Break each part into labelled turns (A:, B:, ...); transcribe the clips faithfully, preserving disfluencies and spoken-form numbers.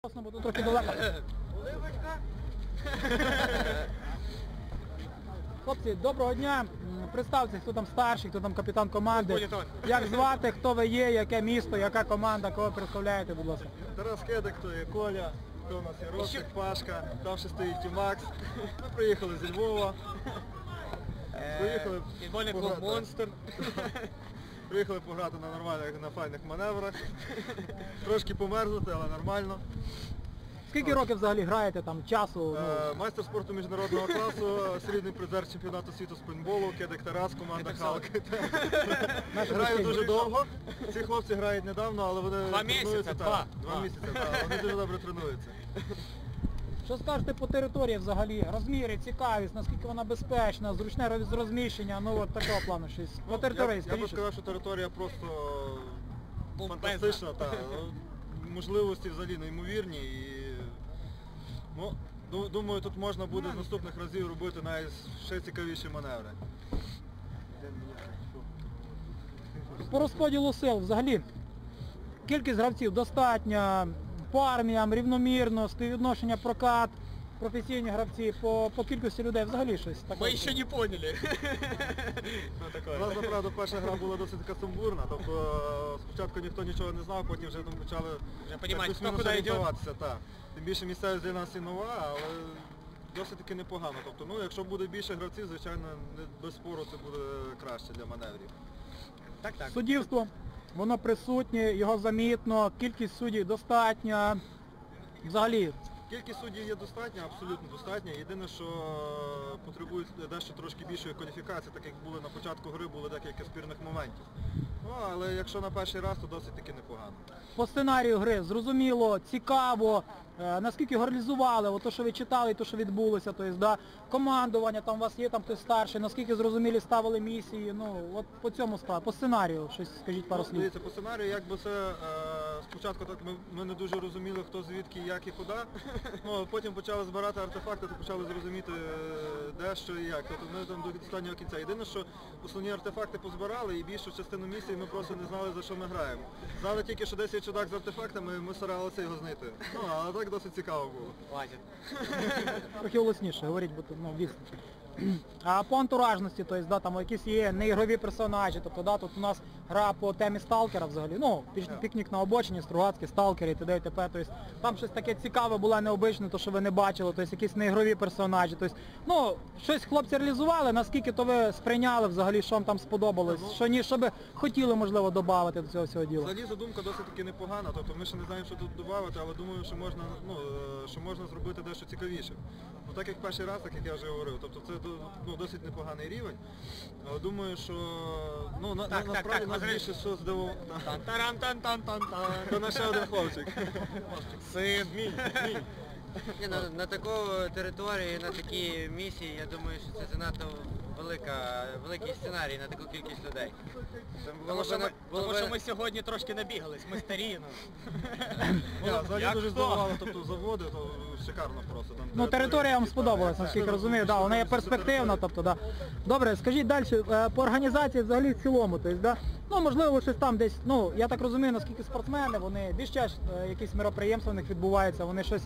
A: Бо тут трохи далеко. Хлопці, доброго дня. Представте, хто там старший, хто там капітан команди. Як звати, хто ви є, яке місто, яка команда, кого представляєте, будь ласка.
B: Тарас Кедик, то є Коля, то у нас є Ростик, Пашка, там ще стоїть Тімакс. Ми приїхали зі Львова. Приїхали
C: Футбольний клуб «Монстр».
B: Приїхали пограти на нормальних, на файних маневрах. Трошки померзнути, але нормально.
A: Скільки років взагалі граєте там, часу?
B: Е, Майстер спорту міжнародного класу, срібний призер чемпіонату світу з пейнтболу, Кедик Тарас, команда Халк. Грають дуже довго. Ці хлопці грають недавно, але вони
C: Два
B: тренуються.
C: місяці, два.
B: Два місяці, так. Вони дуже добре тренуються.
A: Що скажете по території взагалі? Розміри, цікавість, наскільки вона безпечна, зручне роз- розміщення, ну от такого плану щось. По території,
B: Я, я би
A: скажіть.
B: сказав, що територія просто
C: Бомбезна.
B: фантастична, та, можливості взагалі неймовірні і ну, ду- думаю, тут можна буде з наступних разів робити навіть ще цікавіші маневри.
A: По розподілу сил взагалі кількість гравців достатня, по арміям рівномірно, співвідношення прокат, професійні гравці, по, по кількості людей взагалі щось таке.
C: Мы еще не поняли.
B: У нас, направду, перша гра була досить така сумбурна, тобто спочатку ніхто нічого не знав, потім вже там почали
C: Вже понімати,
B: так
C: хто
B: плюс-мінус
C: куди йде.
B: орієнтуватися. Та. Тим більше місцевість для нас і нова, але досить таки непогано. Тобто, ну, якщо буде більше гравців, звичайно, не- без спору це буде краще для маневрів.
C: Так, так.
A: Суддівство, воно присутнє, його замітно, кількість суддів достатня. Взагалі,
B: Кількість суддів є достатня, абсолютно достатня. Єдине, що потребують дещо трошки більшої кваліфікації, так як були на початку гри, були декілька спірних моментів. Ну, але якщо на перший раз, то досить таки непогано.
A: по сценарію гри зрозуміло, цікаво, е, наскільки його реалізували, от то, що ви читали, і то, що відбулося, тобто, да, командування, там у вас є там хтось старший, наскільки зрозумілі ставили місії, ну, от по цьому справа, по сценарію, щось скажіть пару
B: Ну,
A: слів.
B: дивіться, по сценарію, якби це е, спочатку так ми, ми не дуже розуміли, хто звідки, як і куди. Ну, а потім почали збирати артефакти, то почали зрозуміти, е, де, що і як. Тобто ми там до останнього кінця. Єдине, що основні артефакти позбирали і більшу частину місії ми просто не знали, за що ми граємо. Знали тільки, що десь є чудак з артефактами, і ми старалися його знайти. Ну, але так досить цікаво було.
C: Хватит.
A: Трохи голосніше говоріть, бо тут, ну, вісно. А по антуражності, тобто, да, там якісь є неігрові персонажі, тобто, да, тут у нас гра по темі сталкера взагалі, ну, піч- пікнік на обочині, Стругацький, сталкери і т.д. і т.п. Тобто, там щось таке цікаве було, необичне, то, що ви не бачили, тобто, якісь неігрові персонажі, тобто, ну, щось хлопці реалізували, наскільки то ви сприйняли взагалі, що вам там сподобалось, що ні, що би хотіли, можливо, додати до цього всього діла.
B: Взагалі задумка досить таки непогана, тобто ми ще не знаємо, що тут додати, але думаю, що можна, ну, е, що можна зробити дещо цікавіше. Ну, так як перший раз, так як я вже говорив, тобто це до- ну, досить непоганий рівень, але думаю, що ну, на,
C: Так,
B: на,
C: так,
B: насправді
C: так,
B: нас
C: Андрій.
B: більше що здивувало.
C: Тан-таран-тан-тан-тан-тан.
B: Це наш ще один хлопчик.
C: Сын, мій, мій.
D: Ні, на, на таку територію, на такі місії, я думаю, що це занадто велика, великий сценарій на таку кількість людей.
C: Тому що,
D: би
C: ми,
D: на- було
C: тому
D: би-
C: що ми сьогодні трошки набігались, ми старі. Ну.
B: Я, взагалі
C: Як
B: дуже
C: хто?
B: здивувало, тобто заводи, то шикарно просто. Там
A: Ну, територія вам сподобалась, наскільки розумію, да, вона є перспективна, тобто, да. Добре, скажіть далі, е, по організації взагалі в цілому, тобто, да, ну, можливо, щось там десь, ну, я так розумію, наскільки спортсмени, вони більш чаще, е, якісь мероприємства в них відбуваються, вони щось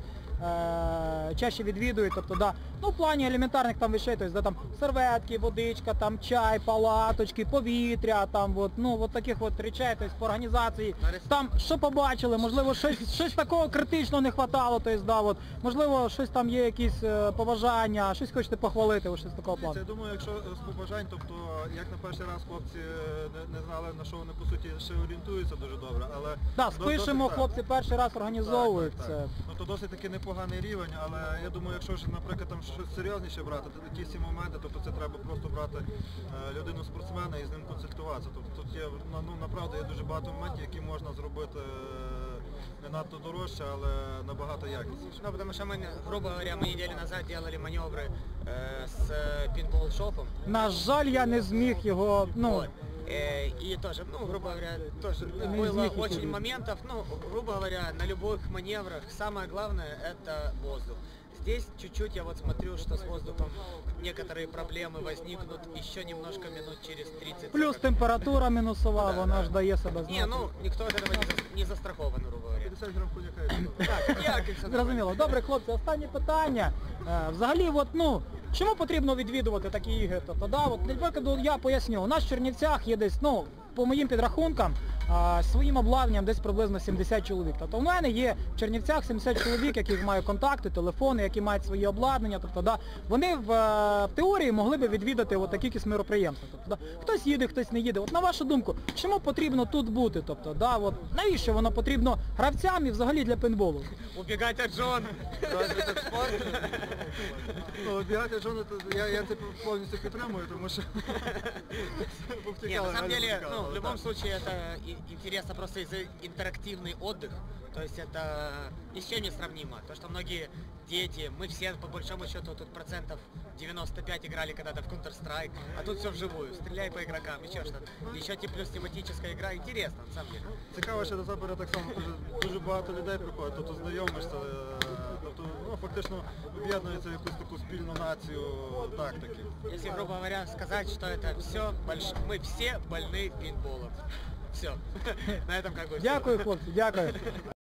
A: е, чаще відвідують, тобто, да, ну, в плані елементарних там вещей, тобто, да, там, серветки, водичка, там, чай, палаточки, повітря, там, от, ну, от таких от речей, тобто, по організації, там, що побачили, можливо, щось, щось такого критичного не хватало, тобто, да, от, можливо, щось там є якісь е, побажання, щось хочете похвалити, ось щось такого
B: Це,
A: плану.
B: я думаю, якщо з побажань, тобто як на перший раз хлопці не, не знали, на що вони по суті ще орієнтуються дуже добре, але...
A: Так,
B: до-
A: спишемо,
B: досить,
A: хлопці перший раз організовують
B: так, так,
A: це.
B: так. Ну то досить таки непоганий рівень, але я думаю, якщо ж, наприклад, там щось серйозніше брати, то такі всі моменти, тобто це треба просто брати е, людину спортсмена і з ним консультуватися. Тобто тут є, ну, ну направду є дуже багато моментів, які можна зробити е, не надто дорожче, але набагато якісніше.
C: Ну, потому что мы, грубо говоря, мы неделю назад делали маневры э, с э, пинбол-шопом.
A: На жаль, я не зміг його, ну,
C: Вот. Э, И тоже, ну, грубо говоря, тоже было
A: изменить
C: очень
A: ничего.
C: моментов, ну, грубо говоря, на любых маневрах самое главное это воздух. Здесь чуть-чуть я вот смотрю, что с воздухом некоторые проблемы возникнут еще немножко минут через тридцать.
A: Плюс температура мінусова,
C: Да,
A: вона
C: да.
A: ж дає себе
C: Не,
A: знати.
C: ну никто от этого не, за- не застрахован, грубо говоря.
B: п'ятдесят грам коньяка. і все.
C: Так, як і все
A: Зрозуміло. Добре, хлопці, останнє питання. Е, Взагалі, от, ну, чому потрібно відвідувати такі ігри? Тобто, да, от, для прикладу, я поясню, у нас в Чернівцях є десь, ну, по моїм підрахункам, а, своїм обладнанням десь приблизно сімдесят чоловік. Тобто в мене є в Чернівцях сімдесят чоловік, яких мають контакти, телефони, які мають свої обладнання. Тобто, да, вони в, е, в теорії могли би відвідати от такі якісь мероприємства. Тобто, да, хтось їде, хтось не їде. От на вашу думку, чому потрібно тут бути? Тобто, да, от, навіщо воно потрібно гравцям і взагалі для пейнтболу?
C: Убегать от жен.
B: Розвиток спорту. Ну, бігати Джона, то я, я це повністю підтримую, тому що
C: Нет,
B: повтікали,
C: на самом
B: реально
C: деле,
B: повтікали,
C: ну, в любом
B: так.
C: случае это и- интересно просто из-за интерактивный отдых. То есть это ни с чем не сравнимо. То, что многие дети, мы все по большому счету тут процентов девяносто пять играли когда-то в Counter-Strike, а тут все вживую. Стреляй по игрокам, еще что-то. Еще те плюс тематическая игра, интересно на самом деле.
B: Цікаво, що до Запоря так само дуже, дуже багато людей приходить, тобто знайомишся, е, тобто ну, фактично об'єднується в якусь таку спільну націю тактики.
C: Если, грубо говоря, сказать, что это все, больш... мы все больны пейнтболом. Все. На этом как бы всё.
A: Дякую, хлопці, дякую.